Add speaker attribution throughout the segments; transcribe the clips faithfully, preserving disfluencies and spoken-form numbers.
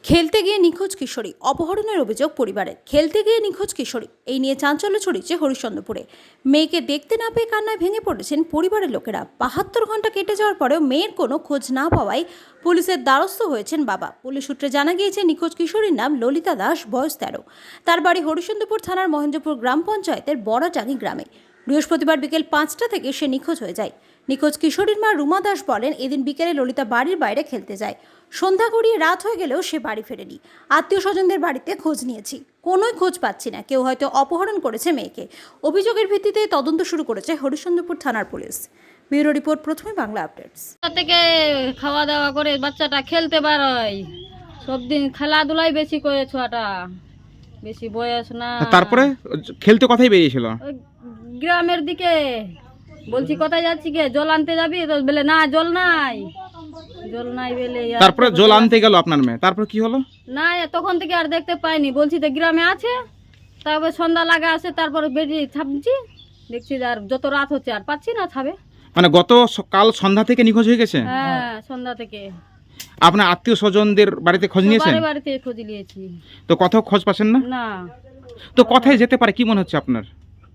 Speaker 1: খেলতে গিয়ে নিখোঁজ কিশোরী, অপহরণের অভিযোগ পরিবারের। খেলতে গিয়ে নিখোঁজ কিশোরী, এই নিয়ে চাঞ্চল্য ছড়িয়েছে হরিশ্চন্দ্রপুরে। মেয়েকে দেখতে না পেয়ে কান্নায় ভেঙে পড়েছেন পরিবারের লোকেরা। বাহাত্তর ঘন্টা কেটে যাওয়ার পরেও মেয়ের কোনো খোঁজ না পাওয়ায় পুলিশের দ্বারস্থ হয়েছেন বাবা। পুলিশ সূত্রে জানা গিয়েছে নিখোঁজ কিশোরীর নাম ললিতা দাস, বয়স তেরো। তার বাড়ি হরিশ্চন্দ্রপুর থানার মহেন্দ্রপুর গ্রাম পঞ্চায়েতের বড়াটাঙ্গি গ্রামে। বৃহস্পতিবার বিকেল পাঁচটা থেকে সে নিখোঁজ হয়ে যায়। নিখোঁজ কিশোরীর মা রুমা দাস বলেন, এদিন বিকেলে ললিতা বাড়ির বাইরে খেলতে যায়। সন্ধ্যা গড়িয়ে রাত হয়ে গেলেও সে বাড়ি ফেরেনি। আত্মীয় স্বজনদের বাড়িতে খোঁজ নিয়েছি, কোনোই খোঁজ পাচ্ছি না। কেউ হয়তো অপহরণ করেছে মেয়েকে। অভিযোগের ভিত্তিতে তদন্ত শুরু করেছে হরিশ্চন্দ্রপুর থানার পুলিশ। ব্যুরো রিপোর্ট, প্রথমে বাংলা আপডেটস।
Speaker 2: থেকে খাওয়া দাওয়া করে বাচ্চাটা খেলতে পারয়, সব দিন খেলাধুলাই বেশি করে, ছোয়াটা বেশি বয়স না।
Speaker 3: তারপরে খেলতে কথাই বেরিয়েছিল
Speaker 2: ওই গ্রামের দিকে। বলছি কোথায় যাচ্ছি কে, জল আনতে যাবি? তো বলে না, জল নাই, জল নাই বলে।
Speaker 3: তারপরে জল আনতে গেল আপনার মেয়ে, তারপর কি হলো?
Speaker 2: না, তখন থেকে আর দেখতে পাইনি। বলছি তো গ্রামে আছে, তারপরে সন্ধ্যা লাগা আছে, তারপরে বেরিয়ে ছাপছি, দেখছি আর যত রাত হচ্ছে আর পাচ্ছি না ছাবে।
Speaker 3: মানে গত স- কাল সন্ধ্যা থেকে নিখোঁজ হয়ে গেছে।
Speaker 2: হ্যাঁ, সন্ধ্যা থেকে
Speaker 3: আপনার আত্মীয় স্বজনদের বাড়িতে খোঁজ নিয়েছেন?
Speaker 2: বাড়ি বাড়িতে খোঁজ নিয়েছি,
Speaker 3: তো কোথাও খোঁজ পাচ্ছেন না?
Speaker 2: না।
Speaker 3: তো কোথায় যেতে পারে কি মনে হচ্ছে আপনার?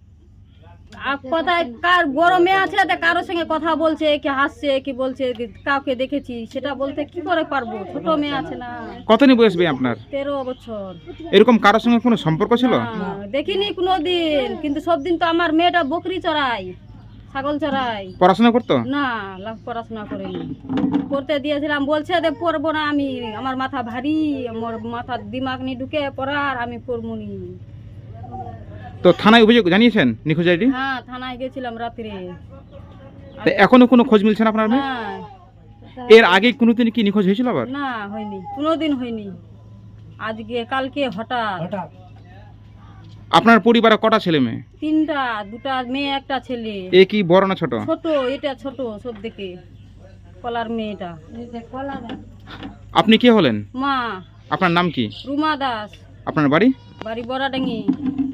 Speaker 2: আর কোথায় কার বড় মেয়ে আছে, তা কারোর সঙ্গে কথা বলছে, কি হাসছে, কি বলছে, কি কাউকে দেখেছি সেটা বলতে কি করে পারবো? ছোট মেয়ে আছে না,
Speaker 3: কতদিন বয়স হবে আপনার?
Speaker 2: তেরো বছর।
Speaker 3: এরকম কারোর সঙ্গে কোনো সম্পর্ক ছিল?
Speaker 2: না, দেখিনি কোনোদিন। কিন্তু সব দিন তো আমার মেয়েটা বকরি চড়াই, ছাগল চড়াই।
Speaker 3: পড়াশোনা করতো?
Speaker 2: না, লা- পড়াশোনা করিনি। পড়তে দিয়েছিলাম, বলছে যে পড়বো না আমি, আমার মাথা ভারী, আমার মাথার দিমাগ নি ঢুকে পড়ার, আমি পড়বো নি।
Speaker 3: তো থানায় অভিযোগ জানিয়েছেন নিখোঁজ আইডি?
Speaker 2: হ্যাঁ, থানায় গেছিলাম রাত্রে।
Speaker 3: তো এখনো কোনো খোঁজ মিলছে না আপনার মেয়ে?
Speaker 2: হ্যাঁ,
Speaker 3: এর আগে কোনোদিন কি নিখোঁজ হয়েছিল আবার?
Speaker 2: না হয়নি, কোনোদিন হয়নি। আজকে কালকে হঠাৎ।
Speaker 3: আপনার পরিবারে কটা ছেলে মেয়ে?
Speaker 2: তিনটা, দুটা মেয়ে একটা ছেলে।
Speaker 3: এ কি বড় না ছোট?
Speaker 2: ছোট, এটা ছোট সব থেকে, কলার মেয়েটা।
Speaker 3: আপনি কে হলেন?
Speaker 2: মা
Speaker 3: আপনার নাম কি?
Speaker 2: রুমা দাস,
Speaker 3: আপনার বাড়ি?
Speaker 2: বাড়ি বড়াডাঙ্গি।